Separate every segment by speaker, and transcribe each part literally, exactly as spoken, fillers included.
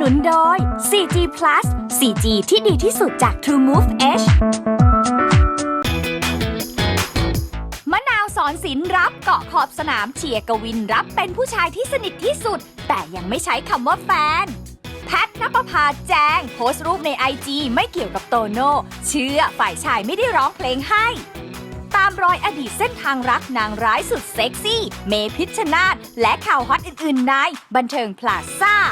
Speaker 1: นุนโดย โฟร์ จี พลัส โฟร์ จี ที่ดีที่สุดจาก True Move Edge มะนาวสอนศิลป์รับเกาะขอบสนามเชียร์กวินรับเป็นผู้ชายที่สนิทที่สุดแต่ยังไม่ใช้คำว่าแฟนแพทณปภาแจงโพสต์รูปใน ไอ จี ไม่เกี่ยวกับโตโน่เชื่อฝ่ายชายไม่ได้ร้องเพลงให้ตามรอยอดีตเส้นทางรักนางร้ายสุดเซ็กซี่เมพิชชนาธิ์และข่าวฮอตอื่นๆในบันเทิงพลาซ่า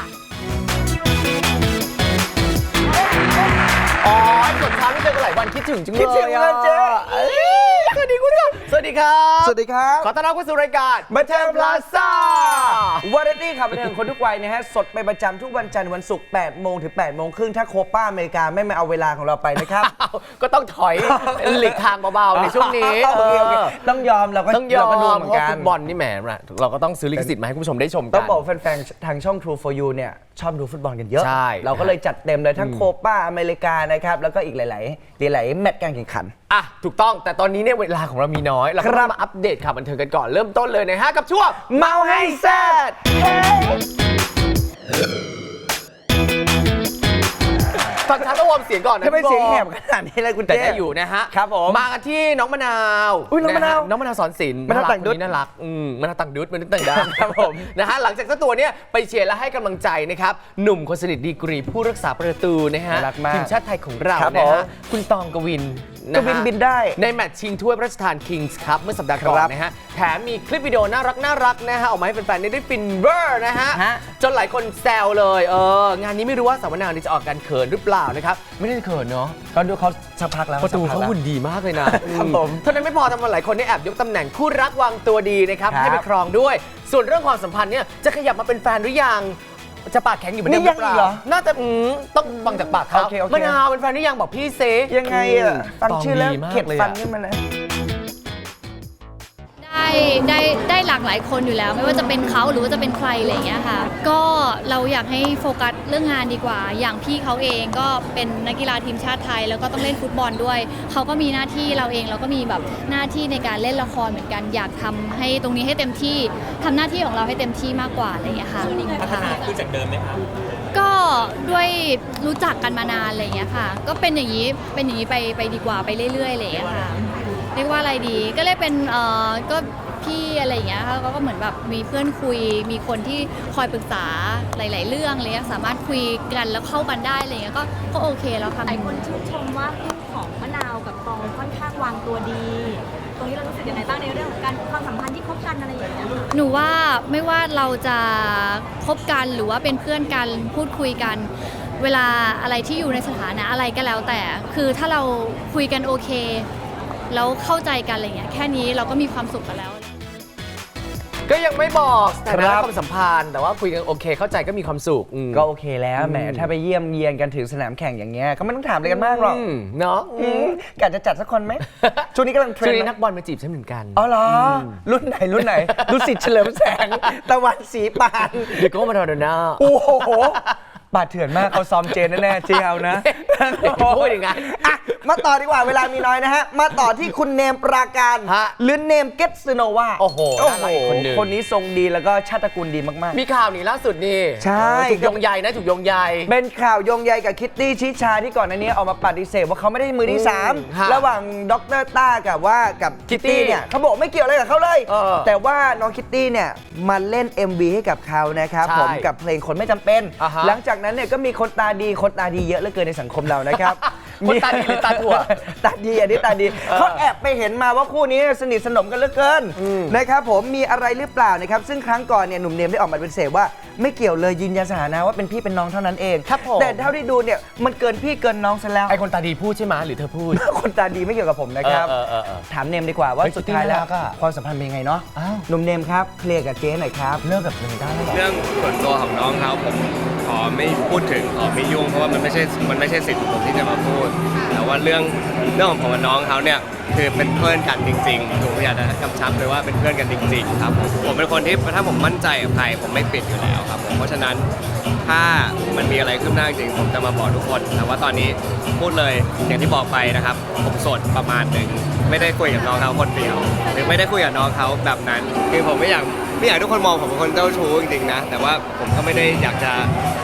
Speaker 2: อ๋อสดช้าไม่เจอกันหลายวันคิดถึงจังเลย
Speaker 3: คิดถึงเลยเจ๊
Speaker 2: สวัสดีคุณผู้ชมสวัสดีครับ
Speaker 3: สวัสดีครับ
Speaker 2: ขอต้อนรับเข้าสู่รายการบันเทิงพลาซ่าว
Speaker 3: าไรตี้ข่าวบันเทิงคนทุกวัยนะฮะสดเป็นประจำทุกวันจันทร์วันศุกร์แปดโมงถึงแปดโมงครึ่งถ้าโคป้าอเมริกาไม่มาเอาเวลาของเราไปนะครับ
Speaker 2: ก็ต้องถอยหลีกทางเบาๆในช่วงนี้
Speaker 3: โอเคโอเคต้องยอมเราก็
Speaker 2: ต้องยอม
Speaker 3: เราก็ดู
Speaker 2: เพ
Speaker 3: เหมือน
Speaker 2: ราะ
Speaker 3: กั
Speaker 2: ฟุ
Speaker 3: น
Speaker 2: ตบอลนี่แหมเราก็ต้องซื้อลิขสิทธิ์มาให้คุณผู้ชมได้ชมกัน
Speaker 3: ต้องบอกแฟนๆทางช่อง True โฟร์ ยู เนี่ยชอบดูฟุตบอลกันเยอะ
Speaker 2: ใช่
Speaker 3: เราก็เลยจัดเต็มเลยทั้งโคป้าอเมริกานะครับแล้วก็อีกหลายๆหลายๆแมตช์การแข่งขัน
Speaker 2: อ่ะถูกต้องแต่ตอนนี้เนี่ยเวลาของเรามีน้อยเราก็
Speaker 3: ครั
Speaker 2: ต้อบ งมาอัปเดตข่าวบันเทิงกันก่อนเริ่มต้นเลยนะฮะกับช่วง
Speaker 3: เมาให้แซ่ด
Speaker 2: ฟังช้าต้องวอร์มเสียงก่อนนะ
Speaker 3: ถ้าเป็นเสียงแหบ
Speaker 2: พี่
Speaker 3: ขนาดนี้เลยคุณ
Speaker 2: แต่
Speaker 3: เจ๊
Speaker 2: ได้อยู่นะฮะ
Speaker 3: ครับผม
Speaker 2: มากันที่น้องมะนาว
Speaker 3: อุ๊ยน้องมะนาว
Speaker 2: ฮน้องมะนาวสอนศิลป์
Speaker 3: มะนาวต่างดุ๊ด
Speaker 2: คนนี้น่ารักอืมมะนาวต่างดุ๊ดมะนาวต่างดาวครับผมนะฮะหลังจากเจ้าตัวเนี้ยไปเชียร์และให้กำลังใจนะครับหนุ่มคนสนิทดีกรีผู้รักษาประตูนะฮะ
Speaker 3: น่ารักมาก
Speaker 2: ทีมชาติไทยของเรา
Speaker 3: ครับ
Speaker 2: นะ
Speaker 3: ผม
Speaker 2: ฮะคุณตองกวินนะ
Speaker 3: ก
Speaker 2: ฮะ
Speaker 3: วินบินได้
Speaker 2: ในแมตช์ชิงถ้วยพระราชทานคิงส์ครับเมื่อสัปดาห์ก่อน
Speaker 3: ครับ
Speaker 2: นะฮะแถมมีคลิปวิดีโอน่ารักน่ารักนะฮะออกมาให้แฟนๆได้ฟินเวอร์นะฮะ
Speaker 3: ฮะ
Speaker 2: จนหลายคนแซวเลยเอองานนี้ไม่รู้ว่าสาวมะนาวนี่จะออกการเขินหรือเปล่านะครับไม่ได้เขินเนาะ
Speaker 3: ก็ดูเขาสักพักแล้ว
Speaker 2: ประตู
Speaker 3: สักพั
Speaker 2: เขา
Speaker 3: กแล้ว
Speaker 2: หุ่นดีมากเลยนะครับ
Speaker 3: ผม
Speaker 2: เท่านั้นไม่พอทำมาหลายคนได้แอบยกตำแหน่งคู่รักวางตัวดีนะครับ
Speaker 3: ครับ
Speaker 2: ให้ไปครองด้วย ส่วนเรื่องความสัมพันธ์เนี่ยจะขยับมาเป็นแฟนหรือยังจะปากแข็งอยู่เหมือนเดิมหรือเป
Speaker 3: นี่ยังอี
Speaker 2: ล่าก
Speaker 3: เหรอ
Speaker 2: น่าจะอืมต้องฟังจากปากเขา
Speaker 3: โอเคโอเค
Speaker 2: มะนาวเป็นแฟนหรือยังบอกพี่เซ
Speaker 3: ยังไงอ่ะฟังชื่อแล้ว
Speaker 2: ตงดีมาก
Speaker 3: เข็ด
Speaker 2: เลย
Speaker 3: ฟั
Speaker 2: อะ
Speaker 3: นขึ้นมาเลย
Speaker 4: ได้ได้ได้หลากหลายคนอยู่แล้ว ไม่ว่าจะเป็นเขาหรือว่าจะเป็นใครอะไรอย่างเงี้ยค่ะก็เราอยากให้โฟกัสเรื่องงานดีกว่า อย่างพี่เขาเองก็เป็นนักกีฬาทีมชาติไทย แล้วก็ต้องเล่นฟุตบอลด้วยเขาก็มีหน้าที่เราเองเราก็มีแบบหน้าที่ในการเล่นละครเหมือนกัน อยากทำให้ตรงนี้ให้เต็มที่ทำหน้าที่ของเราให้เต็มที่มากกว่าอะไรอย่างเงี้ยค่ะพัฒนาขึ้นจากเดิมไหมคะก็ด้วยรู้จักกันมานานอะไรอย่างเงี้ยค่ะก็เป็นอย่างนี้เป็นอย่างนี้ไปไปดีกว่าไปเรื่อยๆอะไรอย่างเงี้ยค่ะ เรียกว่าอะไรดีก็เลยเป็นเอ่อก็พี่อะไรอย่างเงี้ยค่ะเขาก็เหมือนแบบมีเพื่อนคุยมีคนที่คอยปรึกษาหลาย ๆ เรื่องอะไรเงี้ยสามารถคุยกันแล้วเข้ากันได้อะไรเงี้ยก็ก็โอเคแล้วค่ะ
Speaker 5: หลายคนชื่นชมว่าคู่ของมะนาวกับตองค่อนข้างวางตัวดี ตรงนี้เรารู้สึกยังไงบ้างในเรื่องของการความสัมพันธ์ที่คบกันอะไรอย่างเงี้ย
Speaker 4: หนูว่าไม่ว่าเราจะคบกันหรือว่าเป็นเพื่อนกันพูดคุยกัน เวลาอะไรที่อยู่ในสถานะอะไรก็แล้วแต่ คือถ้าเราคุยกันโอเคแล้วเข้าใจกันอะไรเงี้ยแค่นี้เราก็มีความสุขกันแล้ว
Speaker 2: ก็ยังไม่บอกสถา
Speaker 3: ครั
Speaker 2: นะ
Speaker 3: บ
Speaker 2: ความสัมพันธ์แต่ว่าคุยกันโอเคเข้าใจก็มีความสุขอืม
Speaker 3: ก็โอเคแล้วแหม
Speaker 2: อืม
Speaker 3: ถ้าไปเยี่ยมเยียนกันถึงสนามแข่งอย่างเงี้ยก็ไม่ต้องถามอะไรกันมากหรอก
Speaker 2: มเนาะ
Speaker 3: อืมกะจะจัดสักคนไหม ช่วงนี้กำลังเทร
Speaker 2: ช่วน ง
Speaker 3: ด์
Speaker 2: นี้
Speaker 3: ไหม
Speaker 2: นักบอลมาจีบฉันเหมือนกัน
Speaker 3: อ๋อเหรอรุ่นไหนรุ่นไหนรุ่นสิทธิ์เฉลิมแสง ตะวันสีปาน
Speaker 2: เดี๋ยวก็มาโดนหน้า
Speaker 3: โอ้โหบาดเถื่อนมากเขาซ้อมเจนแน่ๆเจียวนะ
Speaker 2: พูดอย่างนั้น
Speaker 3: อ่ะมาต่อดีกว่าเวลามีน้อยนะฮะ มาต่อที่คุณเนมปราการ
Speaker 2: ฮะ
Speaker 3: หรือเนมเกตสโนวา
Speaker 2: โอ้โห
Speaker 3: โอ้
Speaker 2: น่า
Speaker 3: โห
Speaker 2: รักอีกคนหนึ่ง
Speaker 3: คนนี้ทรงดีแล้วก็ชาติตระกูลดีมากๆ
Speaker 2: มีข่าวนี่ล่าสุดนี่
Speaker 3: ใช่
Speaker 2: ถูกโยงใยนะถูกโยงใย
Speaker 3: เป็นข่าวโยงใยกับคิตตี้ชิชาที่ก่อนหน้านี้ออกมาปฏิเสธว่าเขาไม่ได้มือที่สาม
Speaker 2: ฮะ
Speaker 3: ระหว่างดรต้ากับว่ากับคิตตี้เนี่ยเขาบอกไม่เกี่ยวอะไรกับเขาเลย
Speaker 2: เออ
Speaker 3: แต่ว่าน้องคิตตี้เนี่ยมาเล่น เอ็ม วี ให้กับเขานะครับ
Speaker 2: ใช่
Speaker 3: ผมกับเพลงคนไม่จำเป็น
Speaker 2: อ่าฮะ
Speaker 3: หลังจากนั้นเนี่ยก็มีคนตาดีคนตาดีเยอะเหลือเกินในสังคมเรานะครับ
Speaker 2: คนตาดีหรือตาถั่ว
Speaker 3: ตาดีอันนี้ตาดีเขาแอบไปเห็นมาว่าคู่นี้สนิทสนมกันเหลือเกิน
Speaker 2: อืม
Speaker 3: นะครับผมมีอะไรหรือเปล่านะครับซึ่งครั้งก่อนเนี่ยหนุ่มเนมได้ออกมาปฏิเสธว่าไม่เกี่ยวเลยยืนยันสถานะว่าเป็นพี่เป็นน้องเท่านั้นเอง
Speaker 2: ครับผม
Speaker 3: แต่เท่าที่ดูเนี่ยมันเกินพี่เกินน้องซะแล้ว
Speaker 2: ไอคนตาดีพูดใช่ไหมหรือเธอพูด
Speaker 3: คนตาดีไม่เกี่ยวกับผมนะครับ
Speaker 2: เออเออเออ
Speaker 3: ถามเนมดีกว่าว่า
Speaker 2: เฮ้ย
Speaker 3: สุดท้ายแล้ว
Speaker 2: จริงๆน่ารักอะ
Speaker 3: ความสัมพันธ์เป็นยังไงเนาะ
Speaker 2: อ้าว
Speaker 3: หนุ่มเนมครับเคลียร์กับเจ๊หน่อยครับ
Speaker 2: เลิกกับเธอได้แล้วเหรอ
Speaker 6: เรื่องส่วนตัวของน้องเขาผมขอไม่พูดถึงขอไม่ยุ่งเพราะว่ามันไม่ใช่มันไม่ใช่สิทธิ์ของผมที่จะมาพูด แต่ว่าเรื่องเรื่องของผมกับน้องเขาเนี่ยคือเป็นเพื่อนกันจริงๆผมอยากจะกำชับเลยว่าเป็นเพื่อนกันจริงๆครับผมผมเป็นคนที่ถ้าผมมั่นใจกับใครผมไม่ปิดอยู่แล้วครับผมเพราะฉะนั้นถ้ามันมีอะไรขึ้นหน้าจริงผมจะมาบอกทุกคนแต่ว่าตอนนี้พูดเลยอย่างที่บอกไปนะครับผมโสดประมาณหนึ่งไม่ได้คุยกับน้องเขาคนเดียวหรือไม่ได้คุยกับน้องเขาแบบนั้นคือผมไม่อยากไม่อยากให้ทุกคนมองผมเป็นคนเจ้าชู้จริงๆนะแต่ว่าผมก็ไม่ได้อยากจะ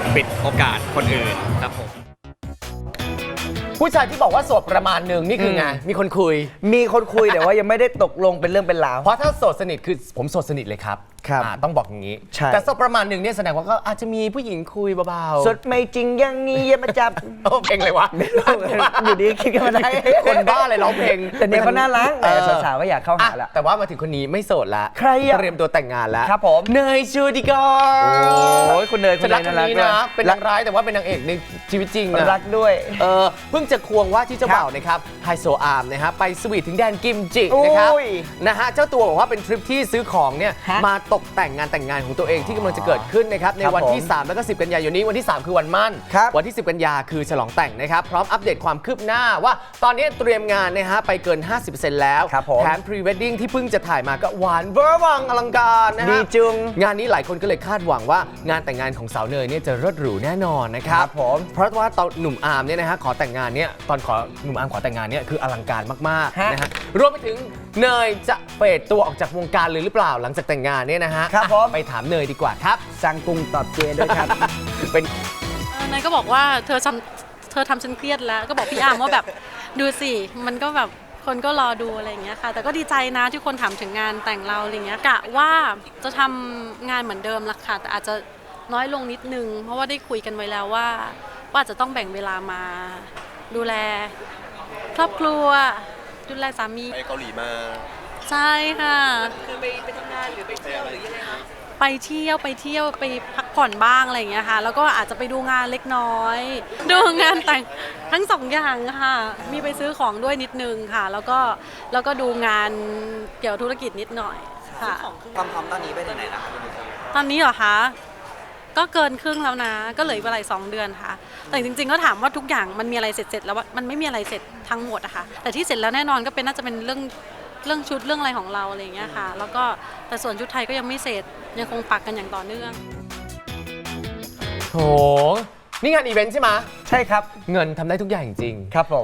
Speaker 6: ปิดโอกาสคนอื่นครับผม
Speaker 2: ผู้ชายที่บอกว่าโสดประมาณหนึ่งนี่คือไงมีคนคุย
Speaker 3: มีคนคุยแต่ว่ายังไม่ได้ตกลงเป็นเรื่องเป็นราว
Speaker 2: เพราะถ้าโสดสนิทคือผมโสดสนิทเลยครับ
Speaker 3: ครับ
Speaker 2: อ่าต้องบอกอย่างนี้
Speaker 3: ใช่
Speaker 2: แต่โสดประมาณหนึ่งเนี่ยแสดงว่าก็อาจจะมีผู้หญิงคุยเบาๆ
Speaker 3: สดไม่จริงยังงี้อย่ามาจับ
Speaker 2: โอ้เพลงอะไรวะ
Speaker 3: อยู่ดีคิดกันมาได้
Speaker 2: คนบ้าอะไรร้องเพลง
Speaker 3: แต่เนี่ยเขาน่ารัก
Speaker 2: เออ
Speaker 3: แต่สาวๆก็อยากเข้าหา
Speaker 2: อ่ะ
Speaker 3: ละ
Speaker 2: แต่ว่ามาถึงคนนี้ไม่โสดละ
Speaker 3: ใครอะ
Speaker 2: เตรียมตัวแต่งงานแล้ว
Speaker 3: ครับผม
Speaker 2: เนยชูดิกอ
Speaker 3: โอ้ยคุณเนยคุ
Speaker 2: ฉั
Speaker 3: ณ
Speaker 2: น
Speaker 3: เน
Speaker 2: รัก
Speaker 3: ย
Speaker 2: คน
Speaker 3: น่ารัก
Speaker 2: นี้
Speaker 3: ด้วย
Speaker 2: นะเป็นนางร้ายแต่ว่าเป็นนางเอกในชีวิตจริงนะ
Speaker 3: รักด้วย
Speaker 2: เออเพิ่งจะควงว่าที่เจ้าบ่าวนะครับไฮโซอาร์มนะฮะไปสวีทถึงแดนกิมจินะครับ
Speaker 3: โอ้ย
Speaker 2: นะฮะเจ้าตัวบอกว่าเป็นทริปที่ซื้อของเนี่ย
Speaker 3: ฮะ
Speaker 2: มาตกแต่งงานแต่งงานของตัวเองที่กำลังจะเกิดขึ้นนะครับในวันที่
Speaker 3: ผม
Speaker 2: สามแล้วก็สิบกันยายนนี้วันที่สามคือวันมั่น
Speaker 3: ครับ
Speaker 2: วันที่สิบกันยาคือฉลองแต่งนะครับพร้อมอัปเดตความคืบหน้าว่าตอนนี้เตรียมงานนะฮะไปเกิน ห้าสิบเปอร์เซ็นต์ แล้ว
Speaker 3: ครับผม
Speaker 2: แถมพรีเวดดิ้งที่เพิ่งจะถ่ายมาก็หวานเวอร์วังอลังการนะฮะ
Speaker 3: ดีจุง
Speaker 2: งานนี้หลายคนก็เลยคาดหวังว่างานแต่งงานของสาวเนยเนี่ยจะเลิศหรูแน่นอนนะครับ
Speaker 3: ครับผม
Speaker 2: เพราะว่าตอนหนุ่มอาร์มเนี่ยนะฮะขอแต่งงานเนี่ยตอนขอหนุ่มอาร์มขอแต่งงานเนี่ยคืออลังการมาก
Speaker 3: ฮะ
Speaker 2: ๆนะฮะรวมไปถึงเนยจะเฟดตัวออกจากวงการเลยหรือเปล่าหลังจากแต่งงานเนี่ยนะฮะ
Speaker 3: ครับผม
Speaker 2: อ่ะไปถามเนยดีกว่าครับ
Speaker 3: สั่งกุ้งตอบเจด้วยครับ
Speaker 2: เป็น
Speaker 7: เออนายก็บอกว่าเธอทำเธอทำฉันเครียดแล้วก็บอกพี่อาร์มว่าแบบดูสิมันก็แบบคนก็รอดูอะไรอย่างเงี้ยค่ะแต่ก็ดีใจนะที่คนถามถึงงานแต่งเราอะไรเงี้ยกะว่าจะทำงานเหมือนเดิมละค่ะแต่อาจจะน้อยลงนิดนึงเพราะว่าได้คุยกันไว้แล้วว่าว่าจะต้องแบ่งเวลามาดูแลครอบครัวดูแลสามี
Speaker 6: ไปเกาหลีมา
Speaker 7: ใช่ค่ะคือไปไปทำงานหรือไปเที่ยวหรือยังไงคะไปเที่ยวไปเที่ยวไปพักผ่อนบ้างอะไรอย่างเงี้ยค่ะแล้วก็อาจจะไปดูงานเล็กน้อย ดูงานแต่งทั้งสองอย่างค่ะมีไปซื้อของด้วยนิดนึงค่ะ แล้วก็แล้วก็ดูงานเกี่ยวธุรกิจนิดหน่อยค่ะ
Speaker 8: ความพร้อมตอนนี้ไปถึงไหนแล้วคะ
Speaker 7: ตอนนี้เหรอคะก็เกินครึ่งแล้วนะก็เหลืออีกเวลาอีกสองเดือนค่ะแต่จริงๆก็ถามว่าทุกอย่างมันมีอะไรเสร็จๆแล้วว่ามันไม่มีอะไรเสร็จทั้งหมดอะค่ะแต่ที่เสร็จแล้วแน่นอนก็เป็นน่าจะเป็นเรื่องเรื่องชุดเรื่องอะไรของเราอะไรอย่างเงี้ยค่ะแล้วก็แต่ส่วนชุดไทยก็ยังไม่เสร็จยังคงปักกันอย่างต่อเนื่อง
Speaker 2: โหนี่งานอีเวนต์ใช่ไหม
Speaker 3: ใช่ครับ
Speaker 2: เงินทำได้ทุกอย่างจริง
Speaker 3: ครับผม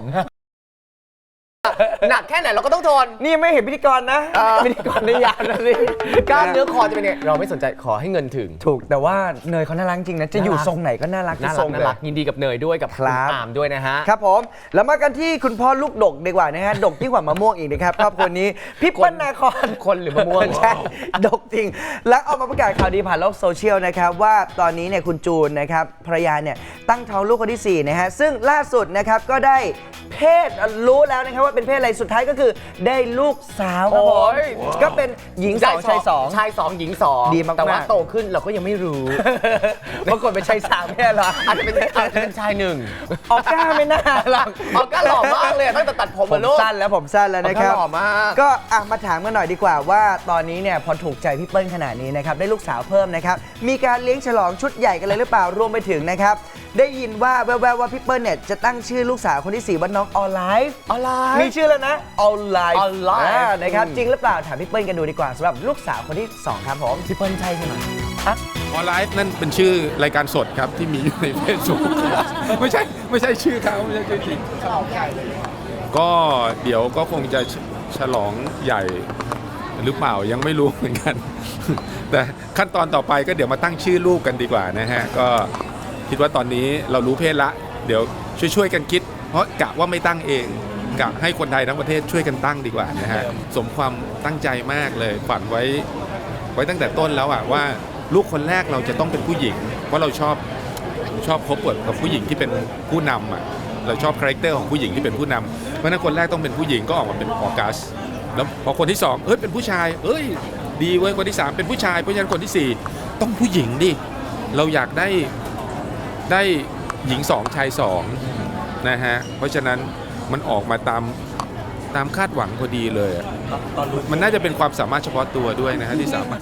Speaker 2: หนักแค่ไหนเราก็ต้องทน
Speaker 3: นี่ไม่เห็นพิธีกรนะ
Speaker 2: เออ
Speaker 3: พิธีกรได้ยาวนะสิ
Speaker 2: กล้ามเนื้อคอจะเป็นไงเราไม่สนใจขอให้เงินถึง
Speaker 3: ถูกแต่ว่าเนยเขาน่ารักจริงนะ จะอยู่
Speaker 2: น่ารัก
Speaker 3: ทรงไหนก็น่ารัก
Speaker 2: น่า
Speaker 3: ท
Speaker 2: รั
Speaker 3: ร
Speaker 2: ก
Speaker 3: ง
Speaker 2: น่า
Speaker 3: เลย
Speaker 2: รักยินดีกับเนยด้วยกับ
Speaker 3: ครั
Speaker 2: ณ
Speaker 3: บ
Speaker 2: อาร์มด้วยนะฮะ
Speaker 3: ครับผมแล้วมากันที่คุณพ่อลูกดกดีกว่านะฮะ ดกที่งกว่ามะม่วงอีกนะครับครอบครัวนี้พี่เปิ้ลนาคร
Speaker 2: คนหรือมะม่วง
Speaker 3: ใช่ดกจริง แล้วออกมาประกาศข่าวดีผ่านโลกโซเชียลนะครับว่าตอนนี้เนี่ยคุณจูนนะครับภรรยาเนี่ยตั้งท้องลูกคนที่สี่นะฮะซึ่งล่าสุดนะครับก็ได้เพศรู้แล้วนะครับว่าเป็นเพศอะไรสุดท้ายก็คือได้ลูกสาวครับผม
Speaker 2: โอ้ย
Speaker 3: ก็เป็นหญิงสองชายสอง
Speaker 2: ชายสองหญิงสอง
Speaker 3: ดีมากๆ
Speaker 2: แต่ว่าโตขึ้นเราก็ยังไม่รู้
Speaker 3: ปรากฏเป็นชายสามแค่เหรอ
Speaker 2: อาจจะเป็นอาจจะเป็นชายหนึ่ง
Speaker 3: ออกก้าไม่น่าหรอก
Speaker 2: ออกก้าหล่อมากเลยตั้งแต่ตัดผม
Speaker 3: ผม
Speaker 2: มาลูก
Speaker 3: สั้นแล้วผมสั้นแล้วนะครับ
Speaker 2: ออกก้าหล่อมาก
Speaker 3: ก็อ่ะมาถามกันหน่อยดีกว่าว่าตอนนี้เนี่ยพอถูกใจพี่เปิ้ลขนาดนี้นะครับได้ลูกสาวเพิ่มนะครับมีการเลี้ยงฉลองชุดใหญ่กันเลยหรือเปล่ารวมไปถึงนะครับได้ยินว่าแววๆว่าพี่เปิ้ลเนี่ยจะตั้งชื่อลูกสาวคนที่สี่ว่าน้องออนไลฟ์
Speaker 2: ออนไลน์
Speaker 3: มีชื่อแล้วนะออนไลฟ์
Speaker 2: Olive
Speaker 3: นะครับ
Speaker 2: อืม
Speaker 3: จริงหรือเปล่าถามพี่เปิ้ลกันดูดีกว่าสำหรับลูกสาวคนที่สองครับผม
Speaker 2: พี่เปิ้ลใช่ใช่ไหม
Speaker 9: ออนไลฟ์นั่นเป็นชื่อรายการสดครับที่มีอยู่ในเฟซบุ๊ก ไม่ใช่ไม่ใช่ชื่อเขาไม่ใช่ชื่อจริงก็เดี๋ยวก็คงจะฉลองใหญ่หรือเปล่ายังไม่รู้เหมือนกัน แต่ขั้นตอนต่อไปก็เดี๋ยวมาตั้งชื่อลูกกันดีกว่านะฮะก็คิดว่าตอนนี้เรารู้เพศละเดี๋ยวช่วยๆกันคิด เพราะกะว่าไม่ตั้งเองกะให้คนไทยทั้งประเทศช่วยกันตั้งดีกว่านะฮะสมความตั้งใจมากเลยฝันไว้ไว้ตั้งแต่ต้นแล้วอะว่าลูกคนแรกเราจะต้องเป็นผู้หญิง เพราะเราชอบชอบคบกับผู้หญิงที่เป็นผู้นำอะเราชอบคาแรคเตอร์ของผู้หญิงที่เป็นผู้นำเพราะฉะนั้นคนแรกต้องเป็นผู้หญิงก็ออกมาเป็นออกัสแล้วพอคนที่สองเอ้ยเป็นผู้ชายเอ้ยดีเว้ยคนที่สามเป็นผู้ชายเพราะฉะนั้นคนที่สี่ต้องผู้หญิงดิเราอยากได้ได้หญิงสองชายสองนะฮะเพราะฉะนั้นมันออกมาตามตามคาดหวังพอดีเลยอะมันน่าจะเป็นความสามารถเฉพาะตัวด้วยนะฮะที่สามารถ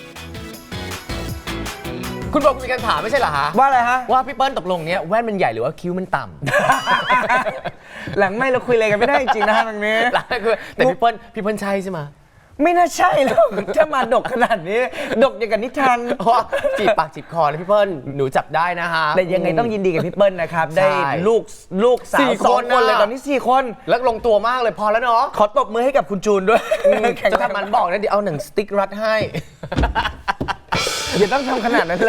Speaker 2: คุณบอกมีการถามไม่ใช่เหรอฮะ
Speaker 3: ว่าอะไรฮะ
Speaker 2: ว่าพี่เปิ้ลตกลงเนี้ยแว่นมันใหญ่หรือว่าคิ้วมันต่ำ
Speaker 3: หลังไม่เราคุยอะไรกันไม่ได้จริงๆนะฮะตรงนี้
Speaker 2: หลังคือแต่พี่เปิ้ลพี่เปิ้ลใช่ใช่ไหม
Speaker 3: ไม่น่าใช่หรอกถ้ามาดกขนาดนี้ ดกอย่างกับนิทาน
Speaker 2: เพราะว่าจีบปากจีบคอเลยพี่เปิ้ลหนูจับได้นะฮะ
Speaker 3: แต่ยังไงต้องยินดีกับพี่เปิ้ลนะครับ
Speaker 2: ใช่
Speaker 3: ได้ลูกลูกสาว
Speaker 2: สี่
Speaker 3: สอง
Speaker 2: คน
Speaker 3: คนเลย
Speaker 2: น่ะ
Speaker 3: ตอนนี้สี่คน
Speaker 2: แล้วลงตัวมากเลยพอแล้วเนาะ
Speaker 3: ขอตบมือให้กับคุณจูนด้วยแข่ง
Speaker 2: จะ
Speaker 3: กัน
Speaker 2: ทำมันบอกนะเดี๋ยวเอาหนังสติ๊กรัดให้
Speaker 3: อย่าต้องทำขนาดนั้นเลย ให้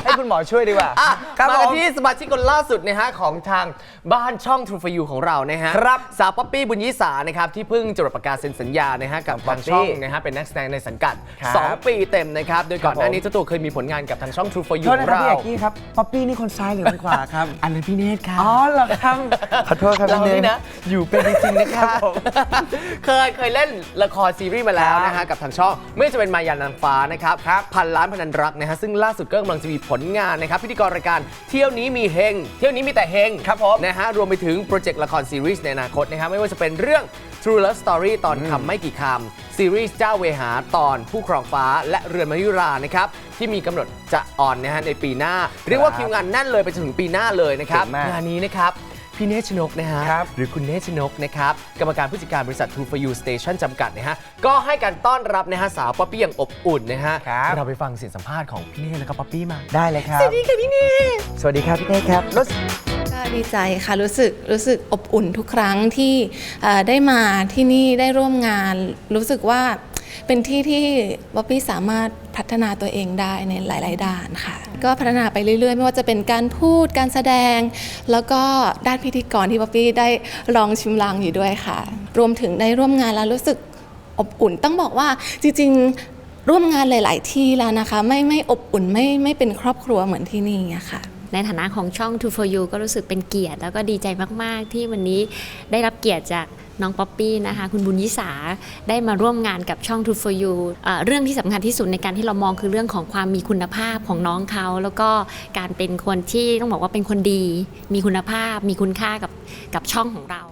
Speaker 3: ให้คุณหมอช่วยดีกว่า
Speaker 2: อ่ะ
Speaker 3: ครับ
Speaker 2: มา
Speaker 3: ผ
Speaker 2: กัน
Speaker 3: ม
Speaker 2: ที่สมาชิกคนล่าสุดนะฮะของทางบ้านช่อง True for You ของเรานะฮะ
Speaker 3: ครับ
Speaker 2: สาวป๊อปปี้บุญยิสานะครับที่เพิ่งจดประกาศเซ็นสัญญานะฮะกับทางช่องนะฮะเป็นนักแสดงในสังกัด
Speaker 3: ครับ
Speaker 2: สอง ปีเต็มนะครับโดยก่อนหน้านี้
Speaker 3: ผม
Speaker 2: เจ้าตัวเคยมีผลงานกับทางช่อง True for You
Speaker 3: โทษ
Speaker 2: ขอ
Speaker 3: นะ
Speaker 2: ง
Speaker 3: ครับ
Speaker 2: เรา
Speaker 3: พี่เอกกี้ครับป๊อปปี้นี่คนซ้ายหรือคนขวาครับ
Speaker 2: อันนั้นพี่เนตรครับ
Speaker 3: อ๋อเหรอครับขอโทษครับ
Speaker 2: เรา
Speaker 3: พี่เน
Speaker 2: นี่
Speaker 3: ย
Speaker 2: นะอยู่เป็นจริงๆนะครับ
Speaker 3: ครับผม
Speaker 2: เคยเคยเล่นละครซีรีส์มาแล้วนะฮะกับทางช่องไม่ว่าจะเป็นมายานางฟ้านะครับพันล้านพนันรักนะฮะซึ่งล่าสุดก็กำลังจะมีผลงานนะครับพิธีกรรายการเที่ยวนี้มีเฮงเที่ยวนี้มีแต่เฮง
Speaker 3: ครับผม
Speaker 2: นะฮะรวมไปถึงโปรเจกต์ละครซีรีส์ในอนาคตนะครับไม่ว่าจะเป็นเรื่อง True Love Story ตอนคำไม่กี่คำซีรีส์เจ้าเวหาตอนผู้ครองฟ้าและเรือนมายุรานะครับที่มีกำหนดจะออนนะฮะในปีหน้า เรียกว่าคิวงานแน่นเลยไปจนถึงปีหน้าเลยนะครับ
Speaker 3: เก่งมาก
Speaker 2: งานนี้นะครับพี่เนชนกนะฮะ
Speaker 3: ครับ
Speaker 2: หรือคุณเนชนกนะครับกรรมการผู้จัดการบริษัท True for You Station จำกัดนะฮะก็ให้การต้อนรับนะฮะสาวป๊อปปี้อย่างอบอุ่นนะฮะ
Speaker 3: ครับ
Speaker 2: เราไปฟังเสียงสัมภาษณ์ของพี่เนชแล้วก็ป๊อปปี้มา
Speaker 3: ได้เลยครับ
Speaker 2: สวัสดีค่ะพี่เนช
Speaker 3: สวัสดีครับพี่เต้ครับรู้สึก
Speaker 10: ก็ดีใจค่ะรู้สึกรู้สึกอบอุ่นทุกครั้งที่เอ่อได้มาที่นี่ได้ร่วมงาน รู้สึกว่าเป็นที่ที่บ๊อบบี้สามารถพัฒนาตัวเองได้ในหลาย ๆ ด้านค่ะ ก็พัฒนาไปเรื่อย ๆ ไม่ว่าจะเป็นการพูดการแสดง แล้วก็ด้านพิธีกรที่บ๊อบบี้ได้ลองชิมลางอยู่ด้วยค่ะ รวมถึงได้ร่วมงานแล้วรู้สึกอบอุ่นต้องบอกว่าจริง ๆ ร่วมงานหลาย ๆ ที่แล้วนะคะไม่ไม่อบอุ่นไม่ไม่เป็นครอบครัวเหมือนที่นี่อะค่ะ
Speaker 11: ในฐานะของช่อง True for You ก็รู้สึกเป็นเกียรติแล้วก็ดีใจมาก ๆ ที่วันนี้ได้รับเกียรติจากน้องป๊อปปี้นะคะคุณบุญยิสาได้มาร่วมงานกับช่อง True for You เอ่อเรื่องที่สำคัญที่สุดในการที่เรามองคือเรื่องของความมีคุณภาพของน้องเขาแล้วก็การเป็นคนที่ต้องบอกว่าเป็นคนดี มีคุณภาพมีคุณค่ากับกับช่องของเรา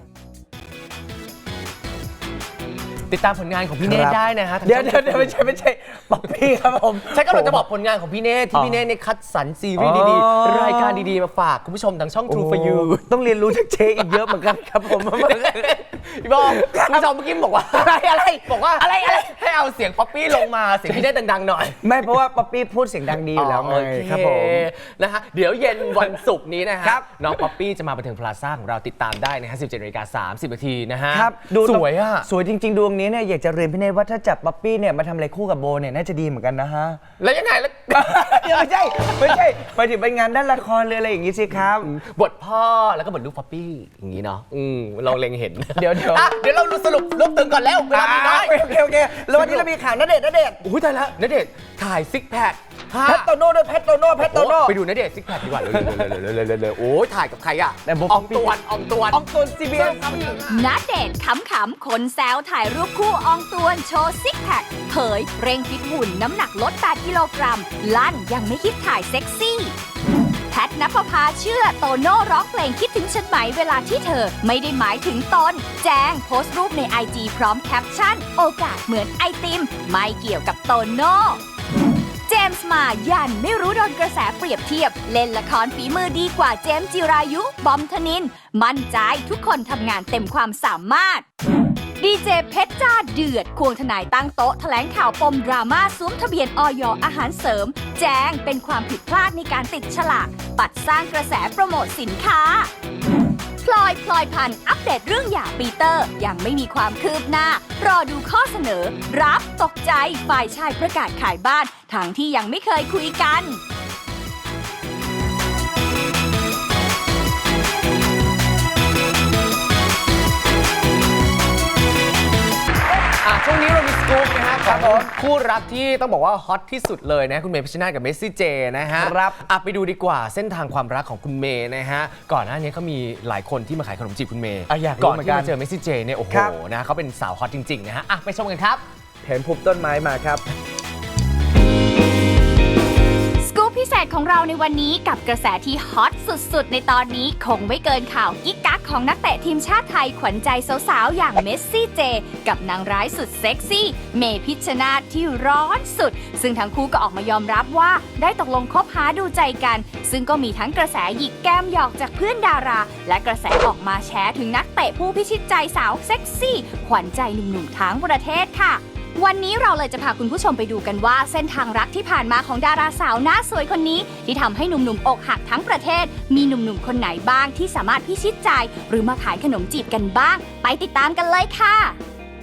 Speaker 2: ติดตามผลงานของพี่เนธได้นะฮะทาง
Speaker 3: เดี๋ยว
Speaker 2: ช่อง
Speaker 3: เดี๋ยวเดี๋ยวไม่ใช่ไม่ใช่ป๊อปปี้ครับผม
Speaker 2: ใช่ก็เราจะบอกผลงานของพี่เนธที่พี่เนธเนี่ยคัดสรรซีรีส์ดี
Speaker 3: อ๋อ
Speaker 2: ๆ รายการดีๆ มาฝากคุณผู้ชมทางช่อง True for You
Speaker 3: โอ้ต้องเรียนรู้จากเชอีกเยอะเหมือนกันครับผม
Speaker 2: พี่บอกคุณผู้ชมเมื่อกี้บอกว่าอะไรอะไรบอกว่าอะไรอะไรให้เอาเสียงป๊อปปี้ลงมาเสียงพี่เนธดังๆหน่อย
Speaker 3: ไม่เพราะว่าป๊อปปี้พูดเสียงดังดีอยู่แล้วไง
Speaker 2: โอเค
Speaker 3: ครับผม
Speaker 2: นะฮะเดี๋ยวเย็นวันศุกร์นี้นะฮะ
Speaker 3: ครับ
Speaker 2: น้องป๊อปปี้จะมาบันเทิงพลาซ่าของเราติดตามได้นะฮะสิบเจ็ดนาฬิกาสามสิบนาทีนะฮะ
Speaker 3: ครับดู
Speaker 2: สวยอ่ะ
Speaker 3: สวยจริง ๆ ดวงนี้เนี่ยอยากจะเรียนพี่เนธว่าถ้าจับป๊อปปี้เนี่ยมาทำอะไรคู่กับโบเนี่ยน่าจะดีเหมือนกันนะฮะ
Speaker 2: แล้วยังไงแล้ว
Speaker 3: ไม่ใช่ไม่ใช่ไปถึงไปงานด้านละครเลยอะไรอย่างงี้สิครับ
Speaker 2: บทพ่อแล้วก็บทลูกป๊อปปี้อย่างนี้เนาะอืมเราเล็งเห็น
Speaker 3: เดี๋ยวเดี๋ยว
Speaker 2: อ่ะเดี๋ยวเราสรุปรวบตึงก่อนแล้วเวลามีน้อย
Speaker 3: โอเคโอเคแล้ววันนี้เรามีข่าวณเดชน์ณเดชน์
Speaker 2: อุ้ยตายแล้วณเดชน์ถ่ายซิกแพค
Speaker 3: แพทโตโน่ด้วยแพทโตโน่แพทโตโน่
Speaker 2: ไปดูณเดชน์ซิกแพคดีกว่าเร็วๆๆๆๆๆโอ้ยถ่ายกับใครอ่ะ
Speaker 3: แต่ผม
Speaker 2: อองตวนอองตวน
Speaker 3: อองตุน ซี บี เอส
Speaker 1: ณเดชน์ขำๆคนแซวถ่ายรูปคู่อองตวนโชว์ซิกแพคเผยเร่งฟิตหุ่นน้ำหนักลดแปดกิโลกรัมลั่นยังไม่คิดถ่ายเซ็กซี่ แพทณปภาเชื่อโตโน่ร้องเพลงคิดถึงฉันไหมเวลาที่เธอไม่ได้หมายถึงตน แจ้งโพสต์รูปใน ไอ จี พร้อมแคปชั่น โอกาสเหมือนไอติม ไม่เกี่ยวกับโตโน่ เจมส์มายันไม่รู้โดนกระแสเปรียบเทียบ เล่นละครฝีมือดีกว่าเจมส์จิรายุ บอมธนิน มั่นใจทุกคนทำงานเต็มความสามารถ ดีเจเพชรจ้าเดือด ควงทนายตั้งโต๊ะแถลงข่าวปมดราม่าสวมทะเบียนอย อาหารเสริม แจ้งเป็นความผิดพลาดในการติดฉลาก ปัดสร้างกระแสโปรโมทสินค้า พลอยพลอยพันธุ์อัปเดตเรื่องหย่าปีเตอร์ ยังไม่มีความคืบหน้า รอดูข้อเสนอ รับตกใจฝ่ายชายประกาศขายบ้านทั้งที่ยังไม่เคยคุยกัน
Speaker 2: อ่ะช่วงนี้เรามีสกู๊ปนะฮะครับผมคู่รักที่ต้องบอกว่าฮอตที่สุดเลยนะคุณเมย์พิชชนาธิ์กับเมสซี่เจนะฮะ
Speaker 3: ครับ
Speaker 2: อ่ะไปดูดีกว่าเส้นทางความรักของคุณเมย์นะฮะก่อนหน้านี้เขามีหลายคนที่มาขายขนมจีบคุณเมย์
Speaker 3: อ่ะอยากรู้
Speaker 2: ก่อน
Speaker 3: เหมือน
Speaker 2: ที่
Speaker 3: กัน
Speaker 2: มาเจอเมสซี่เจเนี่ยโอ้โห
Speaker 3: ครับ
Speaker 2: นะเขาเป็นสาวฮอตจริงๆนะฮะอ่ะไปชมกันครับ
Speaker 3: เห็นภูมิต้นไม้มาครับ
Speaker 1: สกู๊ปพิเศษของเราในวันนี้กับกระแสที่ฮอตสุดๆ ในตอนนี้คงไม่เกินข่าวกิ๊กกักของนักเตะทีมชาติไทยขวัญใจสาวๆ อย่างเมสซี่เจ กับนางร้ายสุดเซ็กซี่ เมพิชชนาธิ์ที่ร้อนสุด ซึ่งทั้งคู่ก็ออกมายอมรับว่าได้ตกลงคบหาดูใจกัน ซึ่งก็มีทั้งกระแสหยิกแก้มหยอกจากเพื่อนดารา และกระแสออกมาแชร์ถึงนักเตะผู้พิชิตใจสาวเซ็กซี่ ขวัญใจหนุ่มๆทั้งประเทศค่ะ วันนี้เราเลยจะพาคุณผู้ชมไปดูกันว่าเส้นทางรักที่ผ่านมาของดาราสาวหน้าสวยคนนี้ที่ทำให้หนุ่มๆอกหักทั้งประเทศ มีหนุ่มๆคนไหนบ้างที่สามารถพิชิตใจหรือมาขายขนมจีบกันบ้าง ไปติดตามกันเลยค่ะ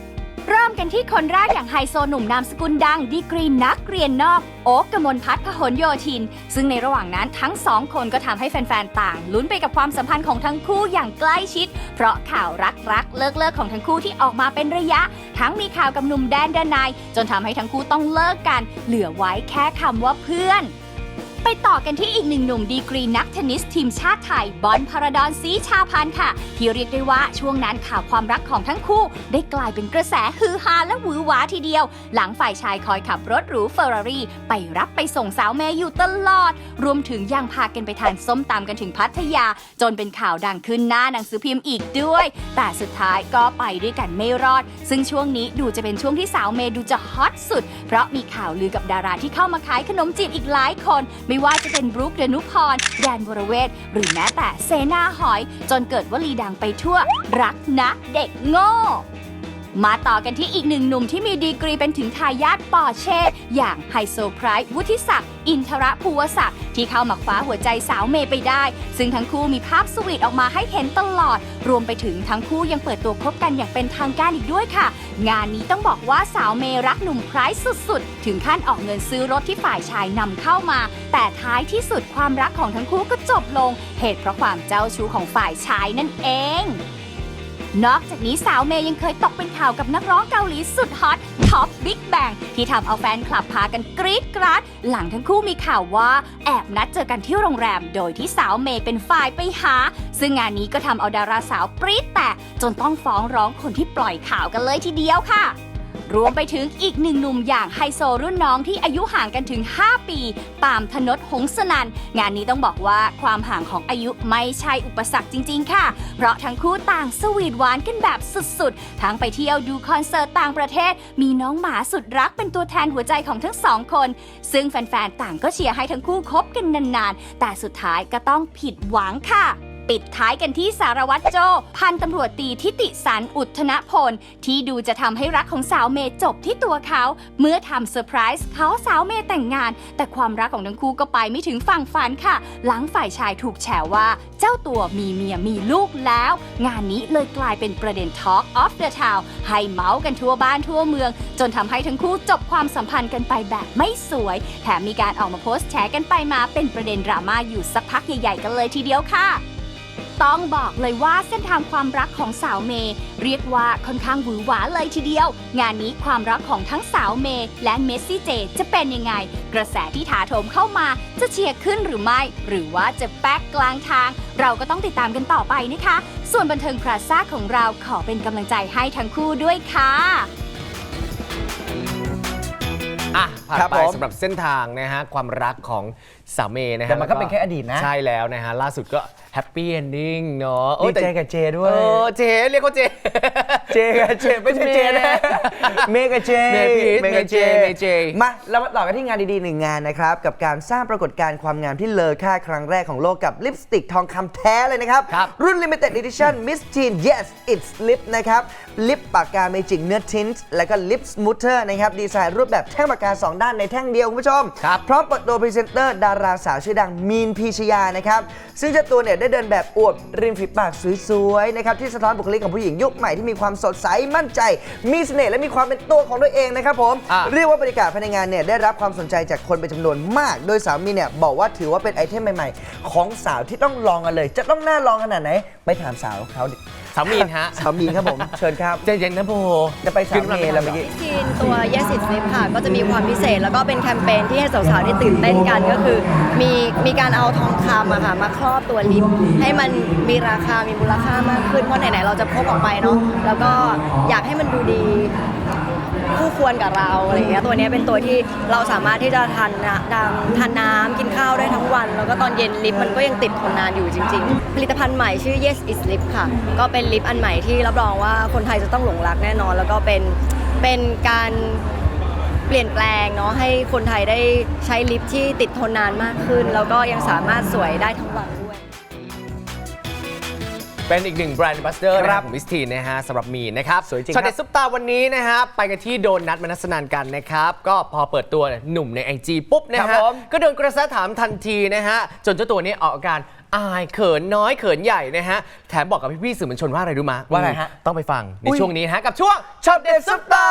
Speaker 1: เริ่มกันที่คนแรกอย่างไฮโซหนุ่มนามสกุลดังดีกรีนักเรียนนอกโอ๊คกมลพัฒน์พหลโยธินซึ่งในระหว่างนั้นทั้งสองคนก็ทำให้แฟนๆต่างลุ้นไปกับความสัมพันธ์ของทั้งคู่อย่างใกล้ชิดเพราะข่าวรักๆเลิกๆของทั้งคู่ที่ออกมาเป็นระยะทั้งมีข่าวกับหนุ่มแดนดนายจนทำให้ทั้งคู่ต้องเลิกกันเหลือไว้แค่คำว่าเพื่อนไปต่อกันที่อีกหนึ่งหนุ่มดีกรีนักเทนนิสทีมชาติไทยบอลพาราดอนศรีชาพันธ์ค่ะที่เรียกได้ว่าช่วงนั้นข่าวความรักของทั้งคู่ได้กลายเป็นกระแสฮือฮาและหวือหวาทีเดียวหลังฝ่ายชายคอยขับรถหรูเฟอร์รารี่ไปรับไปส่งสาวเมย์อยู่ตลอดรวมถึงยังพากันไปทานส้มตำกันถึงพัทยาจนเป็นข่าวดังขึ้นหน้าหนังสือพิมพ์อีกด้วยแต่สุดท้ายก็ไปด้วยกันไม่รอดซึ่งช่วงนี้ดูจะเป็นช่วงที่สาวเมย์ดูจะฮอตสุดเพราะมีข่าวลือกับดาราที่เข้ามาขายขนมจีบอีกหลายคนไม่ว่าจะเป็นบรูค ดนุพร แดนวรเวทหรือแม้แต่เสนาหอยจนเกิดวลีดังไปทั่วรักนะเด็กโง่มาต่อกันที่อีกหนึ่งหนุ่มที่มีดีกรีเป็นถึงทายาทปอร์เช่อย่างไฮโซไพรส์วุฒิศักดิ์อินทรภูวศักดิ์ที่เข้ามาคว้าหัวใจสาวเมย์ไปได้ซึ่งทั้งคู่มีภาพสวีทออกมาให้เห็นตลอดรวมไปถึงทั้งคู่ยังเปิดตัวคบกันอย่างเป็นทางการอีกด้วยค่ะงานนี้ต้องบอกว่าสาวเมย์รักหนุ่มไพรส์สุดๆถึงขั้นออกเงินซื้อรถที่ฝ่ายชายนำเข้ามาแต่ท้ายที่สุดความรักของทั้งคู่ก็จบลงเหตุเพราะความเจ้าชู้ของฝ่ายชายนั่นเองนอกจากนี้สาวเมย์ยังเคยตกเป็นข่าวกับนักร้องเกาหลีสุดฮอตท็อปบิ๊กแบงที่ทำเอาแฟนคลับพากันกรี๊ดกราดหลังทั้งคู่มีข่าวว่าแอบนัดเจอกันที่โรงแรมโดยที่สาวเมย์เป็นฝ่ายไปหาซึ่งงานนี้ก็ทำเอาดาราสาวปรี๊ดแตกจนต้องฟ้องร้องคนที่ปล่อยข่าวกันเลยทีเดียวค่ะรวมไปถึงอีกหนึ่งหนุ่มอย่างไฮโซรุ่นน้องที่อายุห่างกันถึงห้าปีปามธนด หงสนันท์งานนี้ต้องบอกว่าความห่างของอายุไม่ใช่อุปสรรคจริงๆค่ะเพราะทั้งคู่ต่างสวีทหวานกันแบบสุดๆทั้งไปเที่ยวดูคอนเสิร์ตต่างประเทศมีน้องหมาสุดรักเป็นตัวแทนหัวใจของทั้งสองคนซึ่งแฟนๆต่างก็เชียร์ให้ทั้งคู่คบกันนานๆแต่สุดท้ายก็ต้องผิดหวังค่ะปิดท้ายกันที่สารวัตรโจพันตำรวจตีทิติสันอุทธนพลที่ดูจะทำให้รักของสาวเมย์จบที่ตัวเขาเมื่อทำเซอร์ไพรส์เขาสาวเมย์แต่งงานแต่ความรักของทั้งคู่ก็ไปไม่ถึงฝั่งฝันค่ะหลังฝ่ายชายถูกแฉว่าเจ้าตัวมีเมียมีลูกแล้วงานนี้เลยกลายเป็นประเด็น Talk of the Town ให้เมาส์กันทั่วบ้านทั่วเมืองจนทำให้ทั้งคู่จบความสัมพันธ์กันไปแบบไม่สวยแถมมีการออกมาโพสต์แฉกันไปมาเป็นประเด็นดราม่าอยู่สักพักใหญ่ๆกันเลยทีเดียวค่ะต้องบอกเลยว่าเส้นทางความรักของสาวเมย์เรียกว่าค่อนข้างหวือหวาเลยทีเดียวงานนี้ความรักของทั้งสาวเมย์และเมสซี่เจจะเป็นยังไงกระแสที่ถาโถมเข้ามาจะเชียร์ขึ้นหรือไม่หรือว่าจะแป๊กกลางทางเราก็ต้องติดตามกันต่อไปนะคะส่วนบันเทิงพลาซ่าของเราขอเป็นกำลังใจให้ทั้งคู่ด้วยค่ะ
Speaker 2: อ่ะผ่านไปสำหรับเส้นทางนะฮะความรักของสาวเมย์นะฮะ
Speaker 3: แต่มันก็เป็นแค่อดีตนะ
Speaker 2: ใช่แล้วนะฮะล่าสุดก็แฮปปี้เอนดิ้งเนาะ
Speaker 3: ดีเจกับเจด้วย
Speaker 2: เออเจเรียกเขาเจ
Speaker 3: เจกับเจไม่ใช่เจนะเมย์กับเจ
Speaker 2: เมย์พีทเมย์กับเจเมย์เจ
Speaker 3: มาเรามาต่อกันที่งานดีๆหนึ่งงานนะครับกับการสร้างปรากฏการณ์ความงามที่เลอค่าครั้งแรกของโลกกับลิปสติกทองคำแท้เลยนะครับรุ่น Limited Edition Miss Teen Yes It's Lip นะครับลิปปากกาเมจิกเนื้อทินต์และก็ลิปสมูทเทอร์นะครับดีไซน์รูปแบบแท่งปากกาสองด้านในแท่งเดียวคุณผู้ชมพร้อมเปิดตัวพรีเซนเตอร์ดาราสาวชื่อดังมีนพีชยานะครับซึ่งเจ้าตัวเนี่ยได้เดินแบบอวดริมฝีปากสวยๆนะครับที่สะท้อนบุคลิกของผู้หญิงยุคใหม่ที่มีความสดใสมั่นใจมีเสน่ห์และมีความเป็นตัวของตัวเองนะครับผมเรียกว่าบรรยากาศภายในงานเนี่ยได้รับความสนใจจากคนเป็นจำนวนมากโดยสาวมีนเนี่ยบอกว่าถือว่าเป็นไอเทมใหม่ๆของสาวที่ต้องลองกันเลยจะต้องน่าลองขนาดไหนไปถามสาวเขาดิ
Speaker 2: สาวมีนฮะ
Speaker 3: สาวมีนครับผมเชิญครับ
Speaker 2: เจนเย็นนะโบ
Speaker 3: จะไปสาวมีนแล้วเมื่อกี้
Speaker 12: ทีนตัว Yes It's Lip ค่ะก็จะมีความพิเศษแล้วก็เป็นแคมเปญที่ให้สาวๆได้ตื่นเต้นกันก็คือมีมีการเอาทองคำอะค่ะมาครอบตัวลิปให้มันมีราคามีมูลค่ามากขึ้นเพราะไหนๆเราจะพกออกไปเนาะแล้วก็อยากให้มันดูดีคู่ควรกับเราอะไรอย่างเงี้ยตัวนี้เป็นตัวที่เราสามารถที่จะทานน้ำทานน้ำกินข้าวได้ทั้งวันแล้วก็ตอนเย็นลิปมันก็ยังติดทนนานอยู่จริงๆผลิตภัณฑ์ใหม่ชื่อ Yes It's Lip ค่ะก็เป็นลิปอันใหม่ที่รับรองว่าคนไทยจะต้องหลงรักแน่นอนแล้วก็เป็นเป็นการเปลี่ยนแปลงเนาะให้คนไทยได้ใช้ลิปที่ติดทนนานมากขึ้นแล้วก็ยังสามารถสวยได้ทั้งวันด้วย
Speaker 2: เป็นอีกหนึ่งแบรนด์บัสเดอร์ของมิสทีนนะฮะสำหรับมีนนะครับ
Speaker 3: สวยจริง
Speaker 2: ช็อตเด็ดซุปตาวันนี้นะฮะไปกันที่โดนนัดมนัสนันกันนะครับก็พอเปิดตัวหนุ่มใน ไอ จี ปุ๊บนะฮะก็โดนกระแสถามทันทีนะฮะจนเจ้าตัวนี้ออกอาการอายเขินน้อยเขินใหญ่นะฮะแถมบอกกับพี่ๆสื่อมวลชนว่าอะไรรู้มะ
Speaker 3: ว่าอะไรฮะ
Speaker 2: ต้องไปฟังใน
Speaker 3: อุ๊ย
Speaker 2: ช่วงนี้ฮะกับช่วงช็อตเด็ดซุปตา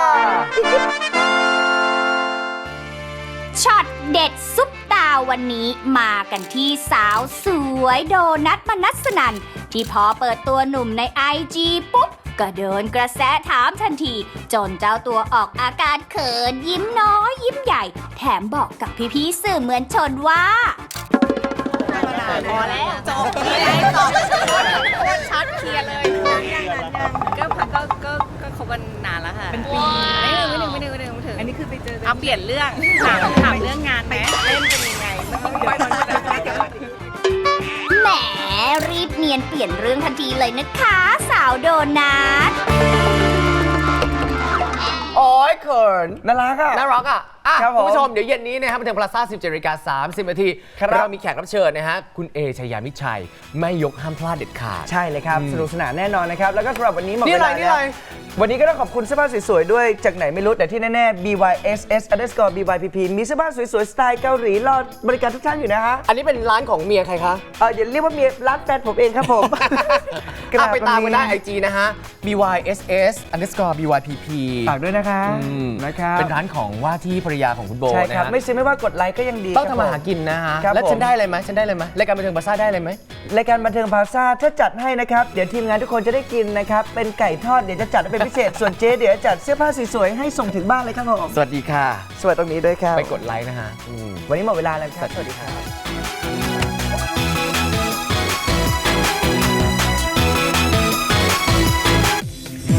Speaker 1: ช็อตเด็ดซุปตาวันนี้มากันที่สาวสวยโดนัทมนัสนันที่พอเปิดตัวหนุ่มใน ไอ จี ปุ๊บ ก็เดินกระแสถามทันที จนเจ้าตัวออกอาการเขินยิ้มน้อยยิ้มใหญ่ แถมบอกกับพี่ๆสื่อมวลชนว่า
Speaker 12: พอแล้วจบเลยจบชัดเคลียร์เลยก็ก็ก็ก็คบกันนานแล้วค่ะเป็นปีไม่ถึงไม่ถึงไม่ถึงไม่ถึงไม่ถึงอันนี้คือไปเจอเอาเปลี่ยนเรื่องถามถามเรื่องงานไหมเล่นเป็นยังไง
Speaker 1: แหมรีบเนียนเปลี่ยนเรื่องทันทีเลยนะคะสาวโดนัท
Speaker 2: โอ้ยเขิน
Speaker 3: น่ารักอ่ะ
Speaker 2: น่ารักอ่ะอ่ะ
Speaker 3: ครับผม
Speaker 2: คุณผู้ชมเดี๋ยวเย็นนี้นะครับบันเทิงพลาซ่าสิบเจ็ดนาฬิกาสามสิบนาที
Speaker 3: ครับ
Speaker 2: เรามีแขกรับเชิญนะฮะคุณเอชยามิตรชัยไม่ยกห้ามพลาดเด็ดขาด
Speaker 3: ใช่เลยครับ
Speaker 2: อืม
Speaker 3: สนุกสนานแน่นอนนะครับ แล้วก็สำหรับวันนี้หมด
Speaker 2: นี่
Speaker 3: เว
Speaker 2: อะไร
Speaker 3: ลา
Speaker 2: นี่
Speaker 3: แล้
Speaker 2: อะไร
Speaker 3: ววันนี้ก็ต้องขอบคุณเสื้อผ้าสวยๆด้วยจากไหนไม่รู้แต่ที่แน่ๆ บี วาย เอส เอส underscore บี วาย พี พี มีเสื้อผ้าสวยๆ สไตล์เกาหลีรอบริการทุกท่านอยู่นะฮะ
Speaker 2: อันนี้เป็นร้านของเมียใครคะ
Speaker 3: เอออย่าเรียกว่าเมียร้านแฟนผมเองครับผม
Speaker 2: อ่ะไปตามกันได้ไอจีนะฮะ บี วาย เอส เอส underscore บี วาย พี พี
Speaker 3: ฝากด้วยนะคะ
Speaker 2: อืม
Speaker 3: นะครับ
Speaker 2: เป็นร้านของว่าที่ภรรยาของคุณโบ
Speaker 3: ใช่
Speaker 2: นะ
Speaker 3: ครับ
Speaker 2: ฮะ
Speaker 3: ไม่ซื้อไม่ว่ากดไลค์ก็ยังดี
Speaker 2: ต้องทำมาหากินนะฮะ
Speaker 3: ครับ
Speaker 2: แล้ว
Speaker 3: ผม
Speaker 2: ฉันได้อะไรไหมฉันได้อะไรไหมรายการบันเทิงพลาซ่าได้อะไรไหม
Speaker 3: รายการบันเทิงพลาซ่าถ้าจัดให้นะครับเดี๋ยวทีมงานทุกคนจะได้กินนะครับเป็นไก่ทอดเดี๋ยวจะจัดให้เป็นพิเศษ ส่วนเจ๊เดี๋ยวจัดเสื้อผ้าสวยๆให้ส่งถึงบ้านเลยครับผม
Speaker 2: สวัสดีค่ะ
Speaker 3: สวัสดีตรงนี้ด้วยครับ
Speaker 2: ไปกดไลค์นะฮะอืม
Speaker 3: วันนี้หมดเวลาแล้วครับสวัสดีครับ